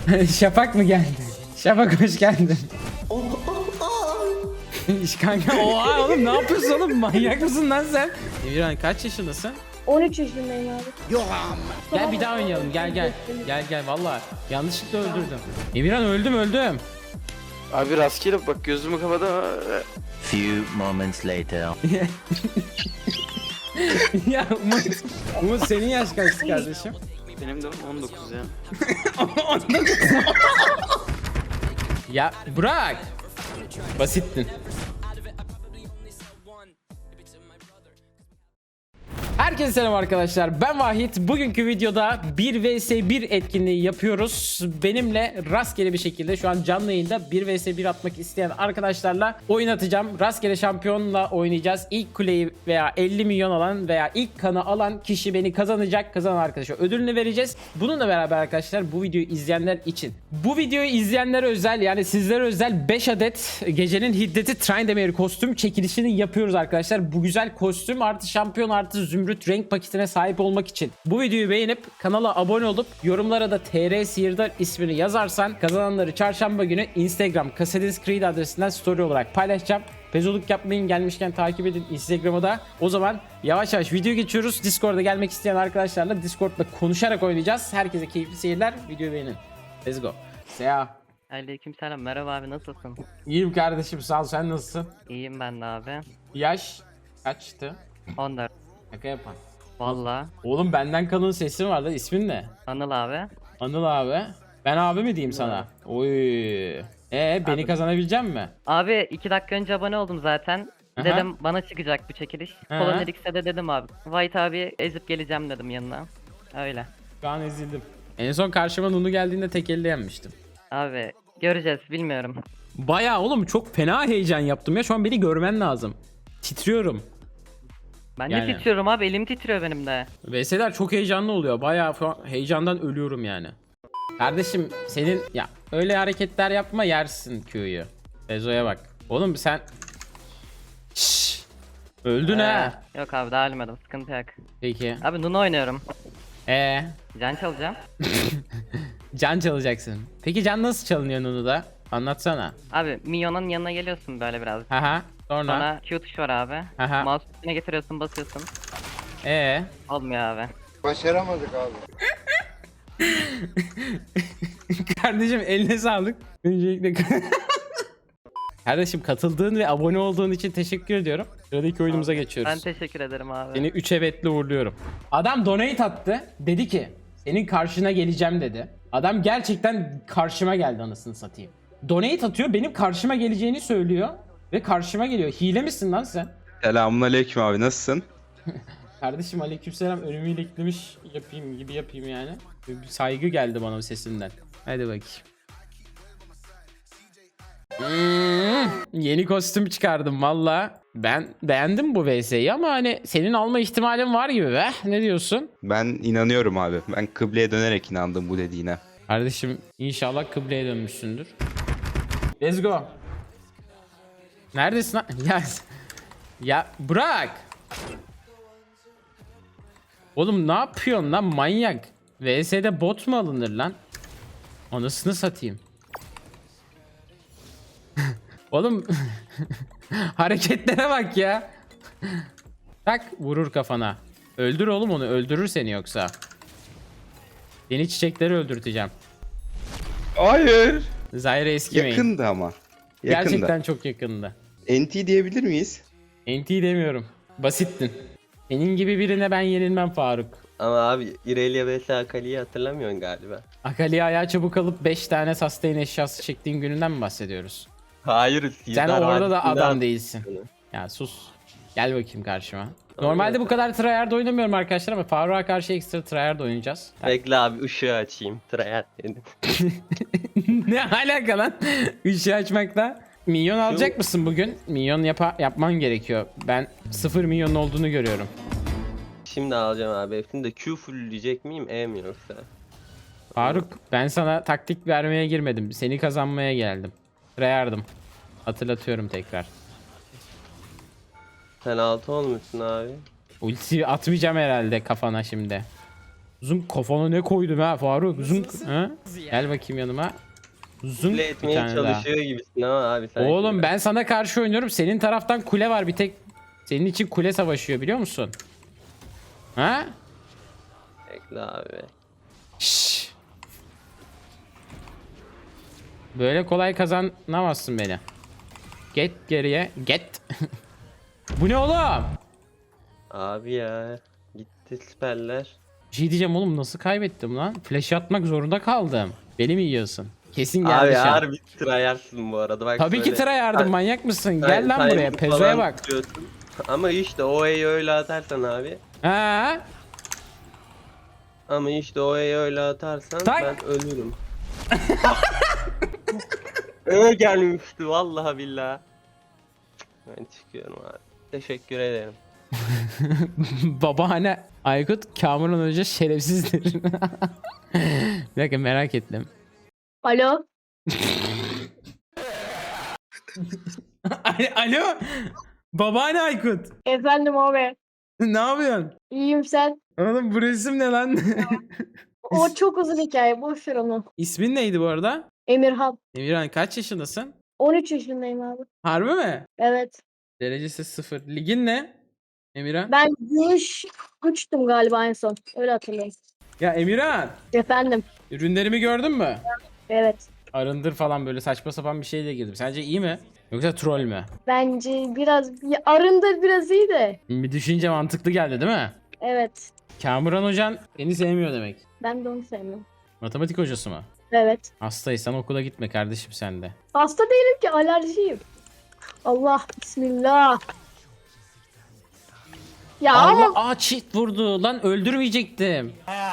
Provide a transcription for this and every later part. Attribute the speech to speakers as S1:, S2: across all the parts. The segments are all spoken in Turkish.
S1: Şafak mı geldi? Şafak hoş geldin. Kanka oha oğlum ne yapıyorsun oğlum? Manyak mısın lan sen? Emirhan kaç yaşındasın?
S2: 13 yaşındayım abi.
S1: Gel bir daha oynayalım. Gel. Gel valla. Yanlışlıkla öldürdüm. Emirhan öldüm.
S3: Abi rastgele bak gözümü kapadım.
S4: Few moments later.
S1: Ya Umut senin yaş kaçtı kardeşim?
S3: Benim de 19 ya.
S1: Ya bırak. Basittin. Herkese selam arkadaşlar, ben Vahit. Bugünkü videoda 1 vs 1 etkinliği yapıyoruz. Benimle rastgele bir şekilde şu an canlı yayında 1 vs 1 atmak isteyen arkadaşlarla oyun atacağım. Rastgele şampiyonla oynayacağız. İlk kuleyi veya 50 milyon alan veya ilk kanı alan kişi beni kazanacak. Kazanan arkadaşa ödülünü vereceğiz. Bununla beraber arkadaşlar bu videoyu izleyenler için. Bu videoyu izleyenlere özel, yani sizlere özel 5 adet gecenin hiddeti Tryndamere kostüm çekilişini yapıyoruz arkadaşlar. Bu güzel kostüm artı şampiyon artı zümrüt renk paketine sahip olmak için bu videoyu beğenip kanala abone olup yorumlara da TR Sihirdar ismini yazarsan kazananları çarşamba günü Instagram Kasadins Creed adresinden story olarak paylaşacağım. Pezoluk yapmayın, gelmişken takip edin Instagram'ı da. O zaman yavaş yavaş video geçiyoruz. Discord'a gelmek isteyen arkadaşlarla Discord'da konuşarak oynayacağız. Herkese keyifli seyirler. Videoyu beğenin. Let's go. Seha.
S5: Aleykümselam, merhaba abi, nasılsın?
S1: İyiyim kardeşim, sağ ol, sen nasılsın?
S5: İyiyim ben de abi.
S1: Yaş kaçtı?
S5: 14.
S1: Şaka yapan.
S5: Valla.
S1: Oğlum benden kalın sesin var da, ismin ne?
S5: Anıl abi.
S1: Anıl abi. Ben abi mi diyeyim sana? Oy. Beni
S5: Abi.
S1: kazanabilecek mi?
S5: Abi 2 dakika önce abone oldum zaten.
S1: Aha.
S5: Dedim bana çıkacak bu çekiliş.
S1: Aha.
S5: Kolon X'e de dedim abi. White abi ezip geleceğim dedim yanına. Öyle.
S1: Şu an ezildim. En son karşıma Nunu geldiğinde tek elle yenmiştim.
S5: Abi göreceğiz, bilmiyorum.
S1: Bayağı oğlum çok fena heyecan yaptım ya. Şu an beni görmen lazım. Titriyorum.
S5: Ben
S1: Yani.
S5: de titriyorum abi, elim titriyor benim de.
S1: VS'ler çok heyecanlı oluyor. Bayağı heyecandan ölüyorum yani. Kardeşim senin ya öyle hareketler yapma, yersin Q'yu. Bezo'ya bak. Oğlum sen Şşş. Öldün ha.
S5: Yok abi, daha ölmedim, sıkıntı yok.
S1: Peki.
S5: Abi Nunu oynuyorum. Can çalacağım.
S1: Can çalacaksın. Peki can nasıl çalınıyor Nunu'da? Anlatsana.
S5: Abi minyonun yanına geliyorsun böyle biraz.
S1: Haha. Sonra.
S5: Sonra Q tuşu var abi.
S1: Aha.
S5: Mouse üstüne getiriyorsun, basıyorsun.
S1: Ee.
S5: Olmuyor abi.
S6: Başaramadık abi.
S1: Kardeşim eline sağlık. Öncelikle kardeşim katıldığın ve abone olduğun için teşekkür ediyorum. Sıradaki oyunumuza geçiyoruz.
S5: Ben teşekkür ederim abi.
S1: Seni 3 evetle uğurluyorum. Adam donate attı. Dedi ki senin karşına geleceğim dedi. Adam gerçekten karşıma geldi, anasını satayım. Donate atıyor, benim karşıma geleceğini söylüyor. Ve karşıma geliyor. Hile misin lan sen?
S7: Selamünaleyküm abi, nasılsın?
S1: Kardeşim aleykümselam, önümü iliklemiş yapayım yani. Bir saygı geldi bana sesinden. Hadi bakayım. Yeni kostüm çıkardım valla. Ben beğendim bu VS'yi ama hani senin alma ihtimalin var gibi be. Ne diyorsun?
S7: Ben inanıyorum abi. Ben kıbleye dönerek inandım bu dediğine.
S1: Kardeşim inşallah kıbleye dönmüşsündür. Let's go. Neredesin lan? Ya bırak. Oğlum ne yapıyorsun lan manyak? VS'de bot mu alınır lan? Anasını satayım. Oğlum hareketlere bak ya. Tak, vurur kafana. Öldür oğlum onu, öldürür seni yoksa. Seni çiçekleri öldürteceğim.
S7: Hayır.
S1: Zyra eskimeyin.
S7: Yakındı ama. Yakındı.
S1: Gerçekten çok yakındı.
S7: NT diyebilir miyiz?
S1: NT demiyorum. Basittin. Senin gibi birine ben yenilmem Faruk.
S8: Ama abi Irelia vs Akali'yi hatırlamıyorsun galiba.
S1: Akali'ye ayağa çabuk alıp 5 tane sustain eşyası çektiğin gününden mi bahsediyoruz?
S8: Hayır.
S1: Sen orada da adam
S8: değil.
S1: değilsin. Ya sus. Gel bakayım karşıma. Normalde bu kadar tryhard oynamıyorum arkadaşlar ama Faruk'a karşı ekstra tryhard oynayacağız.
S8: Bekle abi, ışığı açayım. Trayat dedim.
S1: Ne alaka lan? Işığı açmakla. Minyon alacak mısın bugün? Minyon yapman gerekiyor. Ben 0 milyonun olduğunu görüyorum.
S8: Şimdi alacağım abi. Hepsini de Q fullleyecek miyim? E mi yoksa?
S1: Faruk, ben sana taktik vermeye girmedim. Seni kazanmaya geldim. Tryhard'ım. Hatırlatıyorum tekrar.
S8: Sen 6 olmuşsun abi.
S1: Ulti atmayacağım herhalde kafana şimdi. Zunk kafana ne koydum ha Faruk? Zunk. Ha? Gel bakayım yanıma. Zunk
S8: Kule
S1: bir
S8: etmeye
S1: tane daha.
S8: çalışıyor gibisin ama abi sanki.
S1: Oğlum ben sana karşı oynuyorum. Senin taraftan kule var bir tek. Senin için kule savaşıyor biliyor musun? Ha?
S8: Bekle abi.
S1: Şşş. Böyle kolay kazanamazsın beni. Get geriye. Get. Bu ne oğlum?
S8: Abi ya. Gitti siperler.
S1: Bir şey diyeceğim oğlum, nasıl kaybettim lan? Flash atmak zorunda kaldım. Beni mi yiyorsun? Kesin geldi
S8: Abi
S1: şu an.
S8: harbi tryhardsın bu arada. Bak
S1: Tabii ki
S8: söyle.
S1: tıra yardım, manyak mısın? Gel lan
S8: Timing
S1: buraya, pezoya
S8: falan
S1: bak.
S8: tutuyorsun. Ama işte o E'yi öyle atarsan abi.
S1: Ha?
S8: Ama işte o E'yi öyle atarsan
S1: Tak.
S8: ben ölürüm. Gelmişti vallahi billahi. Ben çıkıyorum abi. Teşekkür ederim.
S1: Babaanne Aykut Kamuran Hoca şerefsizdir. Bir dakika, merak ettim.
S2: Alo.
S1: Alo. Babaanne Aykut.
S2: Efendim abi.
S1: Ne yapıyorsun?
S2: İyiyim sen.
S1: Oğlum bu resim ne lan?
S2: O çok uzun hikaye. Boş ver onu.
S1: İsmin neydi bu arada?
S2: Emirhan.
S1: Emirhan, kaç yaşındasın?
S2: 13 yaşındayım abi.
S1: Harbi mi?
S2: Evet.
S1: Derecesi 0. Ligin ne? Emirhan.
S2: Ben gümüş 3'tüm galiba en son. Öyle hatırlıyorum.
S1: Ya Emirhan,
S2: Efendim.
S1: ürünlerimi gördün mü?
S2: Evet.
S1: Arındır falan, böyle saçma sapan bir şeyle girdim. Sence iyi mi? Yoksa troll mü?
S2: Bence biraz arındır biraz iyi de.
S1: Bir düşünce mantıklı geldi değil mi?
S2: Evet.
S1: Kamuran hocan beni sevmiyor demek.
S2: Ben de onu sevmiyorum.
S1: Matematik hocası mı?
S2: Evet.
S1: Hastaysan okula gitme kardeşim sen de.
S2: Hasta değilim ki, alerjiyim. Allah bismillah. Ya
S1: Allah,
S2: ama
S1: çift vurdu lan, öldürmeyecektim.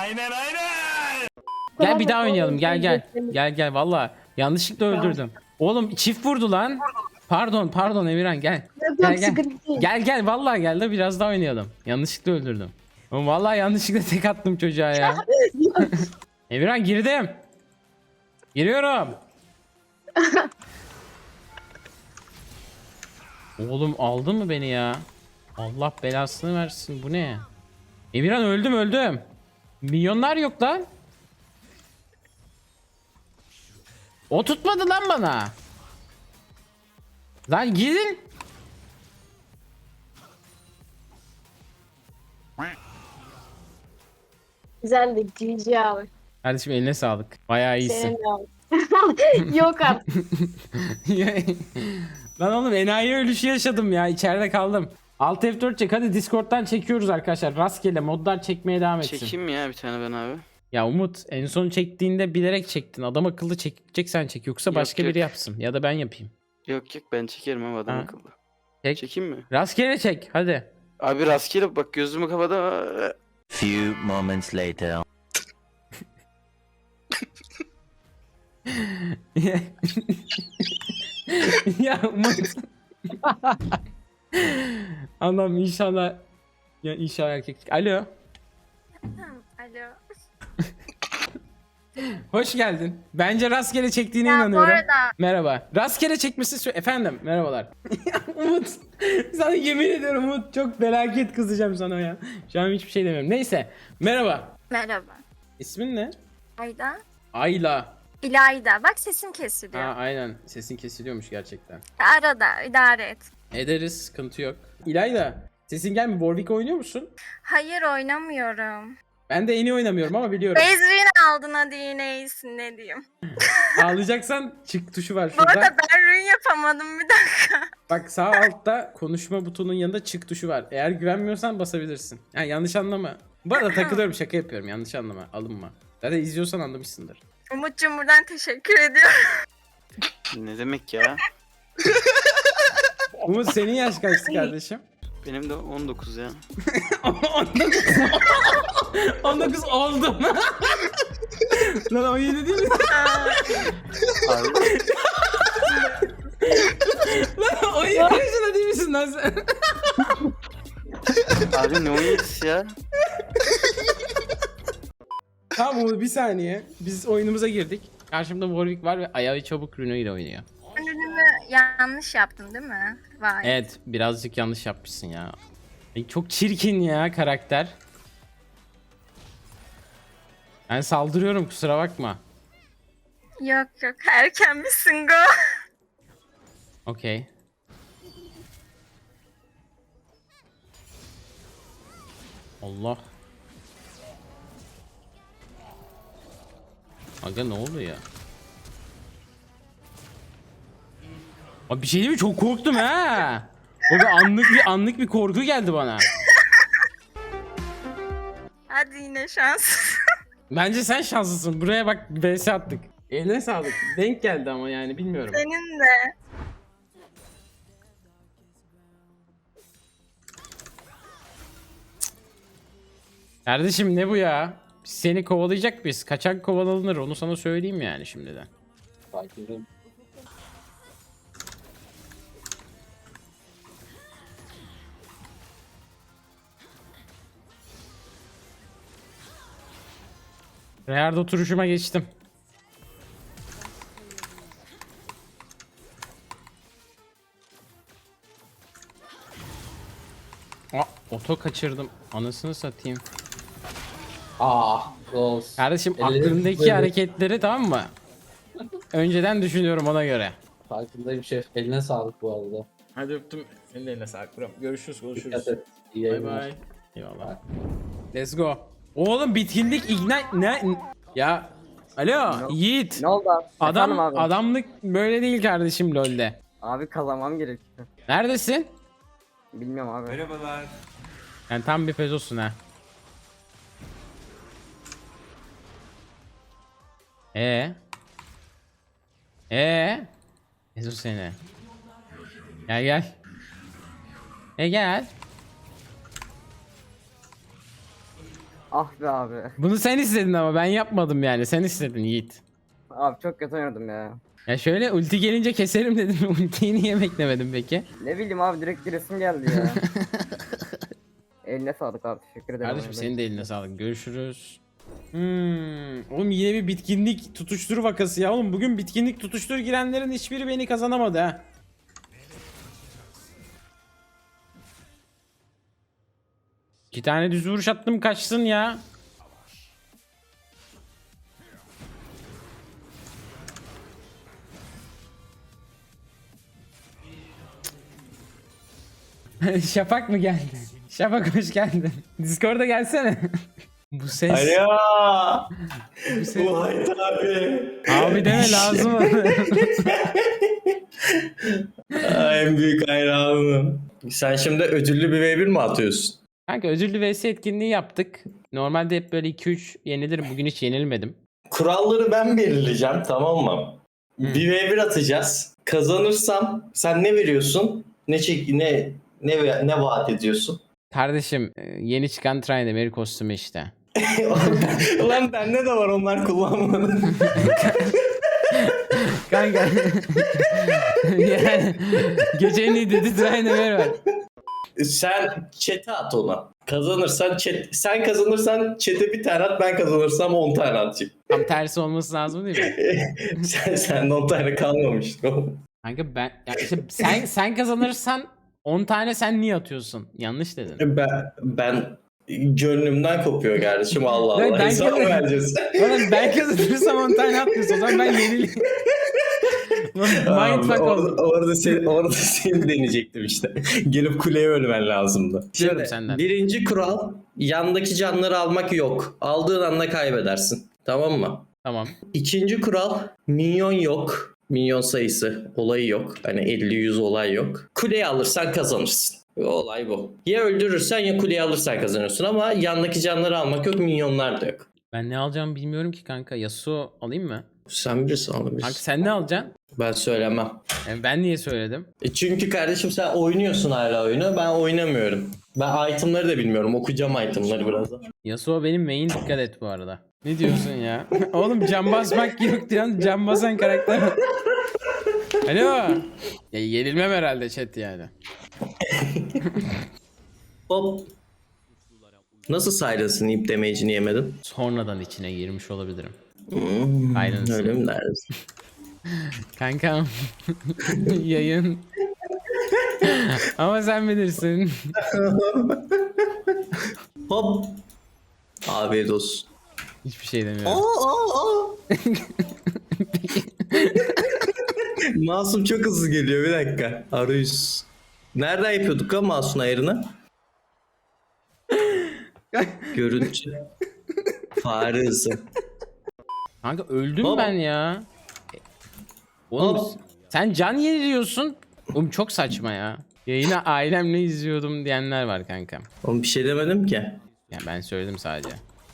S1: Gel bir daha oynayalım, gel. Gel valla yanlışlıkla öldürdüm. Oğlum çift vurdu lan. Pardon Emirhan, gel.
S2: Yok,
S1: Gel.
S2: sıkıntı değil.
S1: Gel vallahi gel de biraz daha oynayalım. Yanlışlıkla öldürdüm. Oğlum vallahi yanlışlıkla tek attım çocuğa ya. Emirhan, girdim. Giriyorum. Oğlum aldın mı beni ya? Allah belasını versin, bu ne? Emirhan, öldüm. Milyonlar yok lan. O tutmadı lan bana. Lan gidin.
S2: Güzeldi. GG abi.
S1: Kardeşim eline sağlık. Bayağı iyisin.
S2: Senin de abi. Yok artık.
S1: Lan oğlum, enayi ölüşü yaşadım ya. İçeride kaldım. Alt F4 çek. Hadi Discord'dan çekiyoruz arkadaşlar. Rastgele modlar çekmeye devam etsin.
S3: Çekeyim mi ya bir tane ben abi?
S1: Ya Umut, en son çektiğinde bilerek çektin. Adam akıllı çekeceksen çek. Yoksa
S3: Yok,
S1: başka
S3: yok.
S1: biri yapsın. Ya da ben yapayım.
S3: Yok ben çekerim abi adam
S1: Ha.
S3: akıllı.
S1: Çek.
S3: Çekeyim mi?
S1: Rastgele çek. Hadi.
S3: Abi rastgele bak gözümü kapata.
S4: Few moments later.
S1: Ya Umut. Allah'ım inşallah. Ya inşallah erkeklik. Alo.
S6: Alo.
S1: Hoş geldin. Bence rastgele çektiğine
S6: Ya bu
S1: inanıyorum.
S6: arada
S1: Merhaba. Rastgele çekmesi efendim. Merhabalar. Umut. Sana yemin ediyorum Umut, çok felaket kızacağım sana ya. Şu an hiçbir şey demiyorum. Neyse. Merhaba.
S6: merhaba.
S1: İsmin ne?
S6: Ayda.
S1: Ayla.
S6: İlayda. Bak sesim kesiliyor.
S1: Ha, aynen. Sesin kesiliyormuş gerçekten.
S6: Arada idare et.
S1: Ederiz. Sıkıntı yok. İlayda. Sesin gelmiyor. Warwick oynuyor musun?
S6: Hayır oynamıyorum.
S1: Ben de en iyi oynamıyorum ama biliyorum.
S6: Bezrin aldın hadi yine iyisin ne diyeyim.
S1: Ağlayacaksan çık tuşu var
S6: Bu
S1: şurada.
S6: arada ben rün yapamadım bir dakika.
S1: Bak sağ altta konuşma butonunun yanında çık tuşu var. Eğer güvenmiyorsan basabilirsin. Yani yanlış anlama. Bu arada takılıyorum, şaka yapıyorum. Yanlış anlama. Alınma. Zaten izliyorsan anlamışsındır.
S6: Umut'cum buradan teşekkür ediyorum.
S3: Ne demek ya?
S1: Umut, senin yaş kaçtı kardeşim?
S3: Benim de 19 ya.
S1: 19 oldum. Lan 17 değil mi?
S3: Abi
S1: Lan 17 yaşında değil misin lan sen?
S3: abi ne 17'si ya?
S1: Tamam Umut, bir saniye. Biz oyunumuza girdik. Karşımda Warwick var ve ayağı çabuk Rune ile oynuyor.
S6: Rünümü yanlış yaptım değil mi? Vay.
S1: Evet, birazcık yanlış yapmışsın ya. Ay, çok çirkin ya karakter. Ben saldırıyorum, kusura bakma.
S6: Yok yok erken misin go?
S1: Okey. Allah. Aga ne oldu ya? Abi bir şey değil mi? Çok korktum ha. O bir anlık bir korku geldi bana.
S6: Hadi yine şans.
S1: Bence sen şanslısın. Buraya bak, vs attık. Eline sağlık. Denk geldi ama yani bilmiyorum.
S6: Senin de.
S1: Kardeşim ne bu ya? Biz seni kovalayacak biz. Kaçak kovalanır, onu sana söyleyeyim yani şimdiden. Rear'da oturuşuma geçtim. Oto kaçırdım. Anasını satayım.
S9: Ghost.
S1: Kardeşim
S9: Ellerim
S1: aklımdaki
S9: böyle.
S1: hareketleri tamam mı? Önceden düşünüyorum ona göre.
S9: Farkındayım şef. Eline sağlık bu arada.
S1: Hadi öptüm. Senin de eline sağlık. Görüşürüz,
S9: Dikkat et. İyi
S1: Bay
S9: yayınlar.
S1: bay. Eyvallah. Let's go. Oğlum bitkinlik ignite ne? Ya alo Yiğit.
S10: Ne oldu abi? Efendim abi.
S1: Adamlık böyle değil kardeşim LoL'de.
S10: Abi kazanmam gerekiyor.
S1: Neredesin?
S10: Bilmiyorum abi.
S1: Yani tam bir pezosun ha. Pezo seni. Gel gel. Gel.
S10: Ah be abi.
S1: Bunu sen istedin ama ben yapmadım yani. Sen istedin Yiğit.
S10: Abi çok kötü oynadım ya.
S1: Ya şöyle ulti gelince keserim dedim. Ultiyi niye beklemedin peki?
S10: Ne bileyim abi direkt bir resim geldi ya. Eline sağlık abi teşekkür ederim.
S1: Kardeşim senin de eline sağlık. Görüşürüz. Oğlum yine bir bitkinlik tutuştur vakası ya. Oğlum bugün bitkinlik tutuştur girenlerin hiçbiri beni kazanamadı ha. İki tane düz vuruş attım, kaçsın ya. Şafak mı geldi? Şafak hoş geldin. Discord'a gelsene. Bu ses.
S11: Alo.
S1: Bu ses.
S11: White abi.
S1: Abi deme lazım.
S11: En büyük hayranım. Sen şimdi ödüllü bir V1 mi atıyorsun?
S1: Kanka ödüllü vs etkinliği yaptık. Normalde hep böyle 2-3 yenilirim. Bugün hiç yenilmedim.
S11: Kuralları ben belirleyeceğim, tamam mı? Bir V1 atacağız. Kazanırsam sen ne veriyorsun? Ne vaat ediyorsun?
S1: Kardeşim yeni çıkan Tryndamere kostümü işte.
S11: Ulan bende de var, onlar kullanmadım.
S1: Kanka. Yani gecenin iyi dedi Tryndamere var.
S11: Sen chat'e at ona. Kazanırsan sen kazanırsan chat'e bir tane at, ben kazanırsam 10 tane atacağım.
S1: Tam tersi olması lazım değil mi?
S11: Sen 10 tane kalmamıştı.
S1: Kanka ben ya işte sen kazanırsan 10 tane sen niye atıyorsun? Yanlış dedin.
S11: Ben gönlümden kopuyor kardeşim, Allah
S1: Ben
S11: Allah. Hesap mı vereceğiz?
S1: Oğlum ben kazanırsam 10 tane atmıyorsun. O zaman ben yenileyim. Mindfuck oldum.
S11: Orada seni deneyecektim işte. Gelip kuleye ölmen lazımdı.
S1: Diyorum senden.
S11: Birinci kural, yandaki canları almak yok. Aldığın anda kaybedersin. Tamam mı?
S1: Tamam.
S11: İkinci kural, minyon yok. Minyon sayısı olayı yok. Hani 50-100 olay yok. Kuleyi alırsan kazanırsın. Olay bu. Ya öldürürsen ya kuleyi alırsan kazanıyorsun ama yandaki canları almak yok, minyonlar da yok.
S1: Ben ne alacağımı bilmiyorum ki kanka. Yasuo alayım mı?
S11: Sen bilirsin, alabilirsin.
S1: Kanka sen ne alacaksın?
S11: Ben söylemem.
S1: Yani ben niye söyledim?
S11: Çünkü kardeşim sen oynuyorsun hala oyunu, ben oynamıyorum. Ben itemları da bilmiyorum, okuyacağım itemları birazdan.
S1: Yasuo benim main, dikkat et bu arada. Ne diyorsun ya? Oğlum can basmak yok diyorsun, can basan karakter. Alo. Ya yenilmem herhalde chat yani.
S11: Hop. Nasıl Silence'ın ip damage'ini yemedin?
S1: Sonradan içine girmiş olabilirim.
S11: Aynen öyle mi dersin?
S1: Kankam. Yayın. Ama sen bilirsin.
S11: Hop. Afiyet olsun.
S1: Hiçbir şey demiyorum.
S11: Masum çok hızlı geliyor, bir dakika. Arayüz. Nereden yapıyorduk lan Masum ayarını? Görüntü. Fare hızı.
S1: Kanka öldüm
S11: Hop.
S1: ben ya. Oğlum
S11: Hop.
S1: sen can yeniliyorsun. Oğlum çok saçma ya. Yayını ailemle izliyordum diyenler var kanka.
S11: Oğlum bir şey demedim ki.
S1: Ya ben söyledim sadece.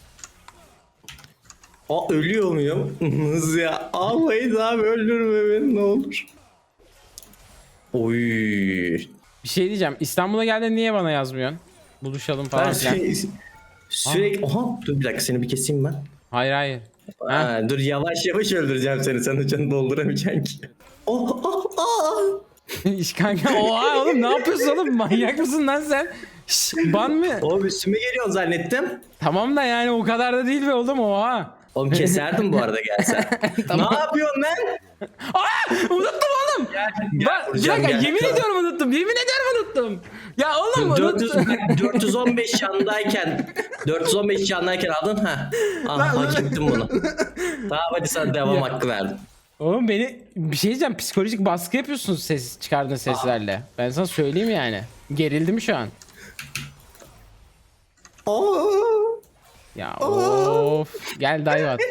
S11: Ölüyor muyum? Hız ya. Almayız abi, öldürme beni ne olur. Oy.
S1: Bir şey diyeceğim. İstanbul'a geldin niye bana yazmıyorsun? Buluşalım falan
S11: Ben
S1: filan.
S11: sürekli... Oha, dur bir dakika, seni bir keseyim ben.
S1: Hayır hayır. Ha?
S11: Ha, dur yavaş yavaş öldüreceğim seni. Sen de canını dolduramayacaksın ki.
S1: İş kanka oha oğlum ne yapıyorsun oğlum? Manyak mısın lan sen? Şş, ban mı?
S11: Oğlum üstüme geliyorsun zannettim.
S1: Tamam da yani o kadar da değil be oğlum oha.
S11: Oğlum keserdim bu arada gelsen.
S1: Tamam.
S11: Ne yapıyorsun lan?
S1: Unuttum oğlum. Bir
S11: vuracağım,
S1: dakika
S11: gel.
S1: yemin ediyorum unuttum. Yemin ediyorum unuttum. Ya oğlum unuttum.
S11: 415 candayken aldın ha. Hak ettim bunu. Tamam hadi sana devam hakkı verdim.
S1: Oğlum beni bir şey diyeceğim. Psikolojik baskı yapıyorsun ses çıkardığın seslerle. Ben sana söyleyeyim yani. Gerildim şu an. Ya of. Gel dive at.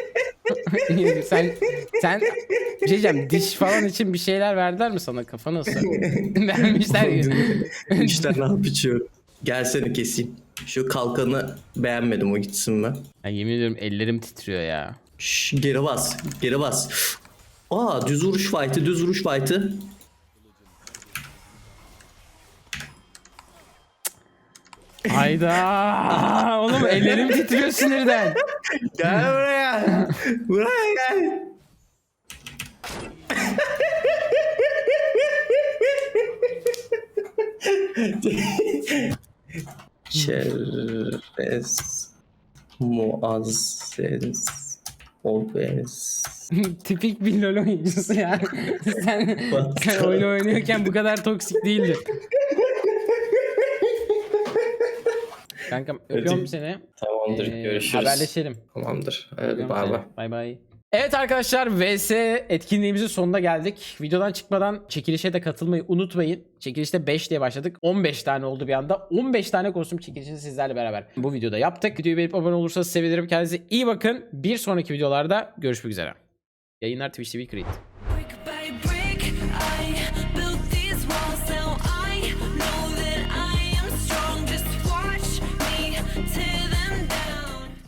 S1: sen bir şey diyeceğim. Diş falan için bir şeyler verdiler mi sana? Kafa nasıl? Vermişler ya.
S11: İşte ne yapıyorum. Gel seni keseyim. Şu kalkanı beğenmedim, o gitsin ben.
S1: Ya yemin ediyorum ellerim titriyor ya.
S11: Şş, geri bas. Geri bas. Düz vuruş fight'ı.
S1: Hayda. Oğlum ellerim titriyor sinirden.
S11: Gel buraya. Buraya gel. Çerez muazzez obez.
S1: Tipik bir LoL oyuncusu ya. sen oyun oynuyorken bu kadar toksik değildir. Kankam öpüyorum seni.
S11: Tamamdır, görüşürüz.
S1: Haberleşelim.
S11: Tamamdır. Hadi
S1: Öpüyorum
S11: bay
S1: seni.
S11: bay.
S1: Bay bay. Evet arkadaşlar VS etkinliğimizin sonuna geldik. Videodan çıkmadan çekilişe de katılmayı unutmayın. Çekilişte 5 diye başladık. 15 tane oldu bir anda. 15 tane kostüm çekilişini sizlerle beraber bu videoda yaptık. Videoyu beğenip abone olursanız sevinirim. Kendinize iyi bakın. Bir sonraki videolarda görüşmek üzere. Yayınlar Twitch TV Creed.